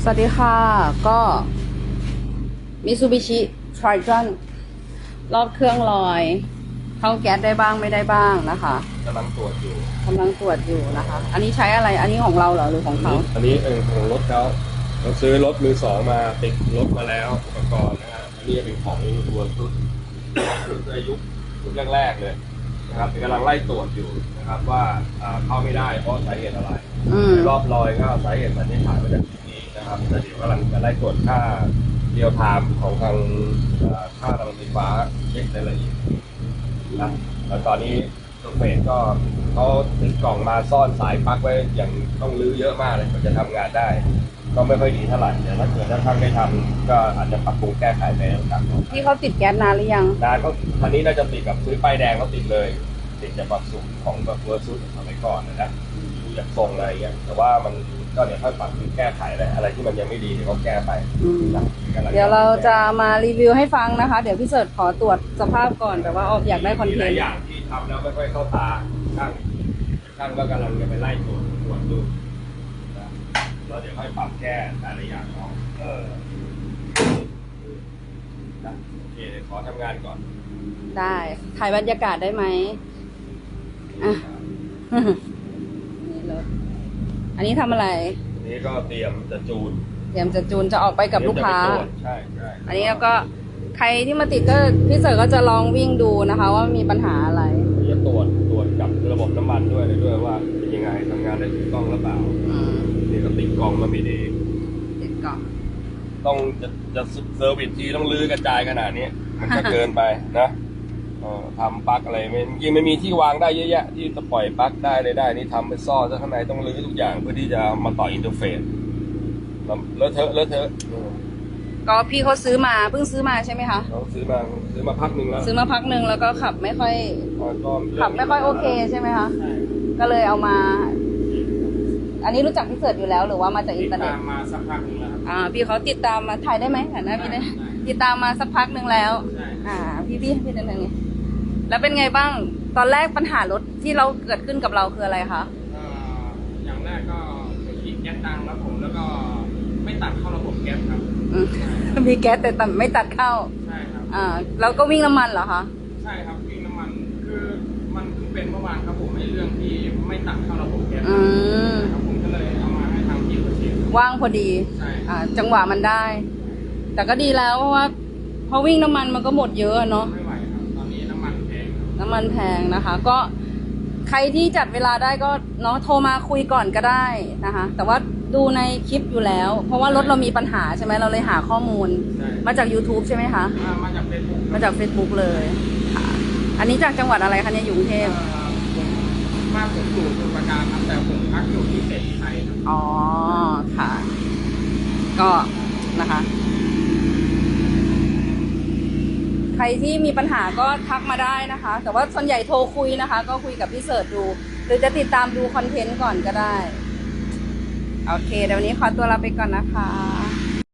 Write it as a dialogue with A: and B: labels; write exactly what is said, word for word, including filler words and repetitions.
A: สวัสดีค่ะก็มิซูบิชิทริจอนรอบเครื่องลอยเข้าแก๊สได้บ้างไม่ได้บ้างนะคะ
B: กำลังตรวจอยู่
A: กำลังตรวจอยู่นะคะอันนี้ใช้อะไรอันนี้ของเราเหรอหรือของเขา
B: อันนี้เป็นของรถเขาเราซื้อรถมือสองมาติดรถมาแล้วอุปกรณ์นะฮะอันนี้เป็นของตัวรุ่นรุ่นอายุรุ่นแรกๆเลยนะครับกำลังไล่ตรวจอยู่นะครับว่าเข้าไม่ได้เพราะสาเหตุอะไรรอบลอยก็สาเหตุสันนิษฐานมาจากนี้นะครับแต่เดี๋ยวกำลังจะไล่ตรวจค่าเรียลไทม์ของทางค่าพลังไฟฟ้าเช็ครายละเอียดนะแล้วตอนนี้ตัวเฟสก็เขาติดกล่องมาซ่อนสายปลั๊กไว้อย่างต้องรื้อเยอะมากเลยมันจะทำงานได้ก็ไม่ค่อยดีเท่าไหร่แต่ถ้าเกิดถ้าท่านได้ทำก็อาจจะปรับปรุงแก้ไขไปต่างๆ
A: ที่เขาติดแก๊สนานหรือยัง
B: นานก็ทันนี้น่าจะติดกับซื้อป้ายแดงเขาติดเลยติดจากแบบสูตรของแบบเวอร์ซูดสมัยก่อนนะนะดูจากทรงอะไรอย่างเงี้ยแต่ว่ามันก็เดี๋ยวค่อยปรับปรุงแก้ไขอะไรอะไรที่มันยังไม่ดีเดี๋ยวเขาแก้ไป
A: เดี๋ยวเราจะมารีวิวให้ฟังนะคะเดี๋ยวพี่เสิร์ชขอตรวจสภาพก่อนแต่ว่าออกอยากได้คอนเทนต์
B: หลายอย่างที่ทำแล้วไม่ค่อยเข้าตาช่างช่างก็กำลังจะไปไล่ตรวจตรวจดูเราเดี๋ยวค่อยปรับแก้แต่ละอย่างเนาะเออโอเคขอทำงานก่อน
A: ได้ถ่ายบรรยากาศได้ไหมอ่ะนี่เลยอันนี้ทำอะไร
B: อันนี้ก็เตรียมจะจูน
A: เตรียมจะจูนจะออกไปกับลูกค้า
B: ใช่ใช่
A: อันนี้แล้วก็ใครที่มาติดก็พี่เสิร์ชก็จะลองวิ่งดูนะคะว่ามีปัญหาอะไร
B: จะตรวจตรวจกับระบบน้ำมันด้วยเลยด้วยว่าเป็นยังไงทำงานได้ถูกต้องหรือเปล่านี่ก็ติดกล่องมาไม่ดี
A: ติดกล่อง
B: ต้องจะจะเซอร์วิสทีต้องลื้อกระจายขนาดนี้มันก็เกินไปนะทำปลั๊กอะไรไม่จริงไม่มีที่วางได้เยอะแยะที่จะปล่อยปลั๊กได้เลยได้นี่ทำเป็นซ่อซะข้างในต้องรื้อทุกอย่างเพื่อที่จะมาต่ออินเทอร์เฟซเลอะเทอะเลอะเทอะ
A: ก็พี่เขาซื้อมาเพิ่งซื้อมาใช่ไหมคะ
B: เขาซื้อมาซื้อมาพักหนึ่งแล้ว
A: ซื้อมาพักหนึ่งแล้วก็ขับไม่ค่อยขับไม่ค่อยโอเคใช่ไหมคะก็เลยเอามาอันนี้รู้จักพี่เสิร์ชอยู่แล้วหรือว่ามาจากอินเทอร์เน็ต
B: ติดตามมาสักพักหนึ่งแล้ว
A: อ่าพี่เขาติดตามมาถ่ายได้ไหมถ่ายหน้าพี่ได้ติดตามมาสักพักหนึ่งแล้วอ่าพี่พี่พี่เดินทางนี้แล้วเป็นไงบ้างตอนแรกปัญหารถที่เราเกิดขึ้นกับเราคืออะไรคะ
C: อย่างแรกก็ขีดแก๊สดังแล้วผมแล้วก็ไม่ตัดเข้าระบบแก๊สครับ
A: มีแก๊สแต่ไม่ตัดเข้า
C: ใช่ครับ
A: อ่าแล้วก็วิ่งน้ำมันเหรอคะ
C: ใช่ครับวิ่งน้ำมันคือมันเพิ่งเป็นเมื่อวานครับผมในเรื่องที่ไม่ตัดเข้าระบบแก๊สครับผมก็เลยเอามาให้ทางทีมเช็ค
A: ว่างพอดีอ่าจังหวะมันได้แต่ก็ดีแล้วเพราะว่าพอวิ่งน้ำมันมันก็หมดเยอะเนาะ
C: ไม่ไหวครับตอนนี้น้ำมันแพง
A: น้ำมันแพงนะคะก็ใครที่จัดเวลาได้ก็เนาะโทรมาคุยก่อนก็ได้นะคะแต่ว่าดูในคลิปอยู่แล้วเพราะว่ารถเรามีปัญหาใช่ไหมเราเลยหาข้อมูลมาจาก YouTube ใช่ไหมคะ
C: มาจาก Facebook
A: มาจาก Facebook เลยค่ะอันนี้จากจังหวัดอะไรคะเนี่ยอยู่กรุงเทพ
C: มาผมอยู่สมุทรปราการครับแต่ผมพักอยู่ที่เศรษฐีไทยครับ
A: อ๋อค่ะก็นะคะใครที่มีปัญหาก็ทักมาได้นะคะแต่ว่าส่วนใหญ่โทรคุยนะคะก็คุยกับพี่เสิร์ชดูหรือจะติดตามดูคอนเทนต์ก่อนก็ได้โอเคเดี๋ยววันนี้ขอตัวลาไปก่อนนะคะ